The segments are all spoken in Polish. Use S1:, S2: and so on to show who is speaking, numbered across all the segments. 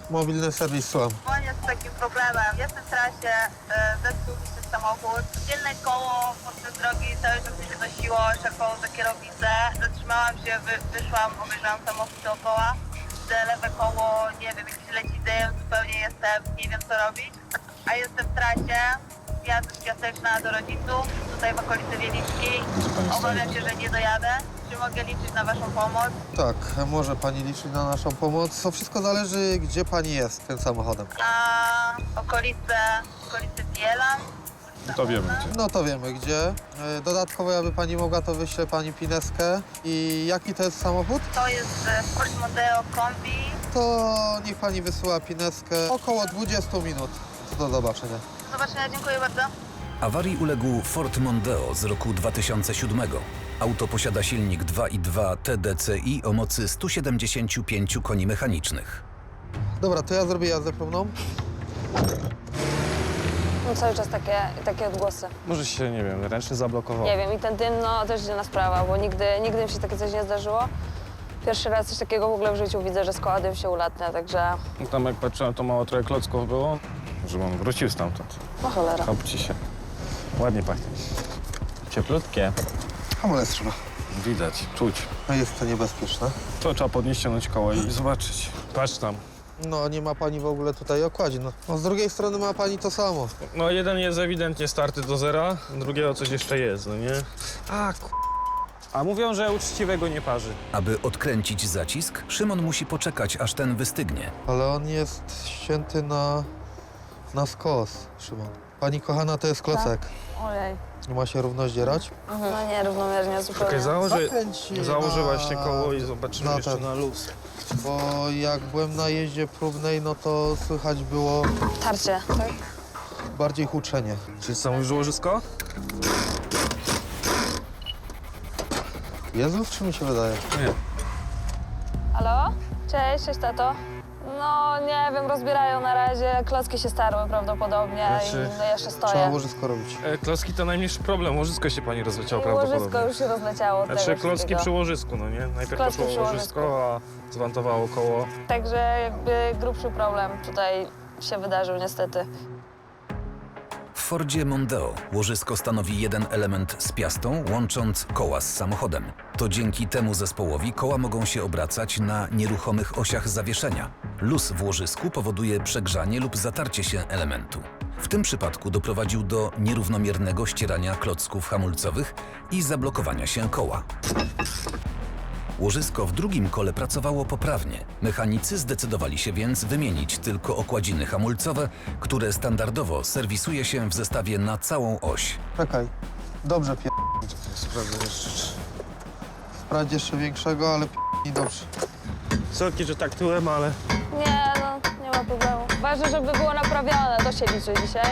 S1: Mobilny serwis, słucham.
S2: Dzwonię z takim problemem. Jestem w trasie, zepsuł mi się samochód. Tylne koło podczas drogi cały czas mi się nosiło, czekało za kierownicę. Zatrzymałam się, wyszłam, obejrzałam samochód dookoła. Widzę lewe koło, nie wiem, jakiś leci dym, zupełnie nie wiem co robić. A jestem w trasie, jadę z Piaseczna do rodziców, tutaj w okolicy Wielickiej. Obawiam się, że nie dojadę. Czy mogę liczyć na waszą pomoc?
S1: Tak, może pani liczyć na naszą pomoc. To wszystko zależy, gdzie pani jest tym samochodem.
S2: Na okolice Bielan.
S3: No to wiemy gdzie.
S1: No to wiemy gdzie. Dodatkowo, jakby pani mogła, to wyślę pani pineskę. I jaki to jest samochód?
S2: To jest Ford Mondeo Kombi.
S1: To niech pani wysyła pineskę około 20 minut. Do zobaczenia.
S2: Do zobaczenia, dziękuję bardzo.
S4: Awarii uległ Ford Mondeo z roku 2007. Auto posiada silnik 2.2 TDCi o mocy 175 koni mechanicznych.
S1: Dobra, to ja zrobię jazdę próbną.
S5: No cały czas takie odgłosy.
S3: Może się, nie wiem, ręcznie zablokował.
S5: Nie wiem, i ten dym, no też dziwna sprawa, bo nigdy mi się takie coś nie zdarzyło. Pierwszy raz coś takiego w ogóle w życiu widzę, że z koła dym się ulatnia, także
S3: No tam jak patrzyłem, to mało trochę klocków było. Że on wrócił stamtąd.
S5: no cholera.
S3: Chopci się. Ładnie pachnie. Cieplutkie.
S1: Hamulec trzeba.
S3: Widać, czuć.
S1: No jest to niebezpieczne.
S3: To trzeba podnieść, ściągnąć koło i zobaczyć. Patrz tam.
S1: No nie ma pani w ogóle tutaj okładzi. No z drugiej strony ma pani to samo.
S3: No jeden jest ewidentnie starty do zera, drugiego coś jeszcze jest, no nie? A mówią, że uczciwego nie parzy.
S4: Aby odkręcić zacisk, Szymon musi poczekać, aż ten wystygnie.
S1: Ale on jest ścięty na skos, Szymon. Pani kochana, to jest klocek.
S5: Ojej.
S1: Nie ma się równo zdzierać.
S5: No nie, równomiernie zupełnie.
S3: Okej, założę
S1: na-
S3: właśnie koło i zobaczymy
S1: na
S3: jeszcze
S1: ten.
S3: na luz.
S1: Bo jak byłem na jeździe próbnej, no to słychać było
S5: Tarcie, tak?
S1: bardziej huczenie.
S3: Czyli co, mówisz łożysko?
S1: Jezus, czy mi się wydaje?
S3: Nie.
S5: Halo? Cześć tato. No nie wiem, rozbierają na razie, klocki się starły prawdopodobnie
S3: Znaczy,
S5: i no jeszcze
S1: Trzeba
S5: stoję.
S1: łożysko robić.
S3: Klocki to najmniejszy problem, łożysko się pani rozleciało
S5: I
S3: prawdopodobnie.
S5: łożysko już się rozleciało od
S3: Znaczy
S5: tego
S3: klocki
S5: wszystkiego.
S3: przy łożysku, no nie? Najpierw
S5: Klocki
S3: poszło
S5: przy
S3: łożysko, a zwantowało koło.
S5: Także jakby grubszy problem tutaj się wydarzył niestety.
S4: W Fordzie Mondeo łożysko stanowi jeden element z piastą, łącząc koła z samochodem. To dzięki temu zespołowi koła mogą się obracać na nieruchomych osiach zawieszenia. Luz w łożysku powoduje przegrzanie lub zatarcie się elementu. W tym przypadku doprowadził do nierównomiernego ścierania klocków hamulcowych i zablokowania się koła. Łożysko w drugim kole pracowało poprawnie. Mechanicy zdecydowali się więc wymienić tylko okładziny hamulcowe, które standardowo serwisuje się w zestawie na całą oś.
S1: Czekaj. Dobrze Sprawdź jeszcze większego, ale dobrze.
S3: Sorki, że tak tyłem, ale...
S5: Nie, no nie ma problemu. Ważne, żeby było naprawione, to się liczy dzisiaj.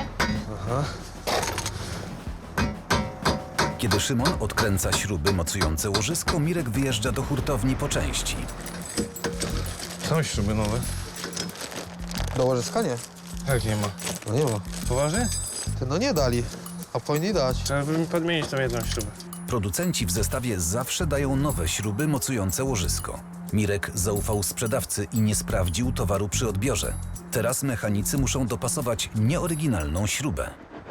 S4: Kiedy Szymon odkręca śruby mocujące łożysko, Mirek wyjeżdża do hurtowni po części.
S3: Są śruby nowe.
S1: Do łożyska nie.
S3: Jak nie ma?
S1: No nie ma.
S3: Poważnie?
S1: Ty no nie dali, a powinni dać.
S3: Trzeba by mi podmienić tą jedną śrubę.
S4: Producenci w zestawie zawsze dają nowe śruby mocujące łożysko. Mirek zaufał sprzedawcy i nie sprawdził towaru przy odbiorze. Teraz mechanicy muszą dopasować nieoryginalną śrubę.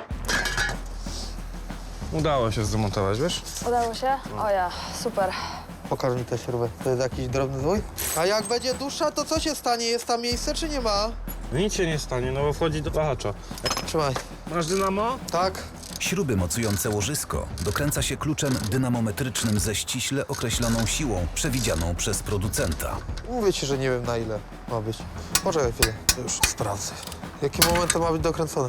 S3: Udało się zdemontować, wiesz?
S5: Udało się? O ja, super.
S1: Pokaż mi tę śrubę. To jest jakiś drobny zwój? A jak będzie dłuższa, to co się stanie? Jest tam miejsce, czy nie ma?
S3: No nic się nie stanie, no bo wchodzi do wahacza.
S1: Trzymaj.
S3: Masz dynamo?
S1: Tak.
S4: Śruby mocujące łożysko dokręca się kluczem dynamometrycznym ze ściśle określoną siłą przewidzianą przez producenta.
S1: Mówię ci, że nie wiem na ile ma być. Poczekaj chwilę. Już sprawdzę. Jakim momentem ma być dokręcone?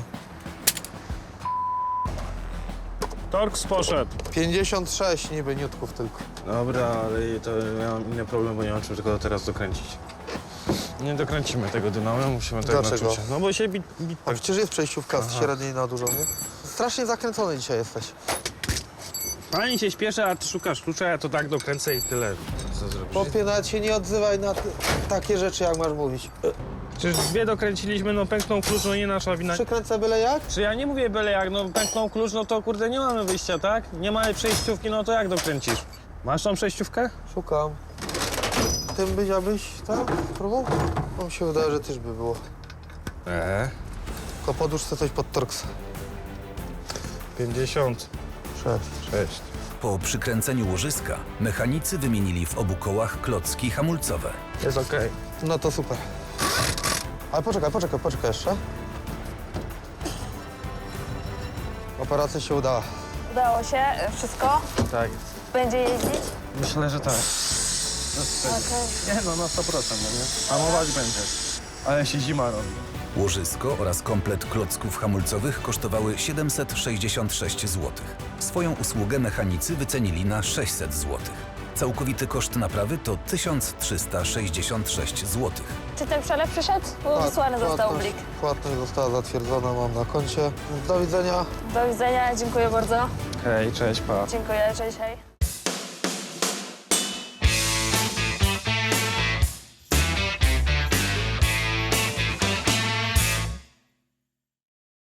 S3: Torx poszedł.
S1: 56 niby niutków tylko.
S3: Dobra, ale to ja mam inny problem, bo nie mam czym tylko teraz dokręcić. Nie dokręcimy tego dynamo, musimy tego na
S1: Dlaczego?
S3: czucie. No bo się bit
S1: A przecież jest przejściówka z średniej na dużą, nie? Strasznie zakręcony dzisiaj jesteś.
S3: Pani się śpieszy, a ty szukasz klucza, ja to tak dokręcę i tyle. Co zrobisz?
S1: Chłopie, nawet się nie odzywaj na takie rzeczy, jak masz mówić.
S3: Przecież dwie dokręciliśmy, no pęknął klucz, no nie nasza wina.
S1: Przykręcę byle jak?
S3: Czy ja nie mówię byle jak, no pęknął klucz, no to kurde nie mamy wyjścia, tak? Nie mamy przejściówki, no to jak dokręcisz? Masz tą przejściówkę?
S1: Szukam. Tym byś, abyś, tak? Próbował? No mi się wydaje, że też by było. Tylko podłóż sobie coś pod torks.
S3: 56.
S1: 6.
S4: Po przykręceniu łożyska mechanicy wymienili w obu kołach klocki hamulcowe.
S3: Jest okej.
S1: No to super. Ale poczekaj jeszcze. Operacja się udała.
S5: Udało się, wszystko?
S3: Tak.
S5: Będzie jeździć?
S3: Myślę, że tak.
S5: Okej.
S3: Nie no, na 100%, no nie? Hamować będzie. Ale się zima robi.
S4: Łożysko oraz komplet klocków hamulcowych kosztowały 766 zł. Swoją usługę mechanicy wycenili na 600 zł. Całkowity koszt naprawy to 1366 zł.
S5: Czy ten przelew przyszedł? Bo wysłany został blik.
S1: Płatność została zatwierdzona, mam na koncie. Do widzenia.
S5: Do widzenia, dziękuję bardzo.
S3: Hej, cześć, pa.
S5: Dziękuję, cześć, hej.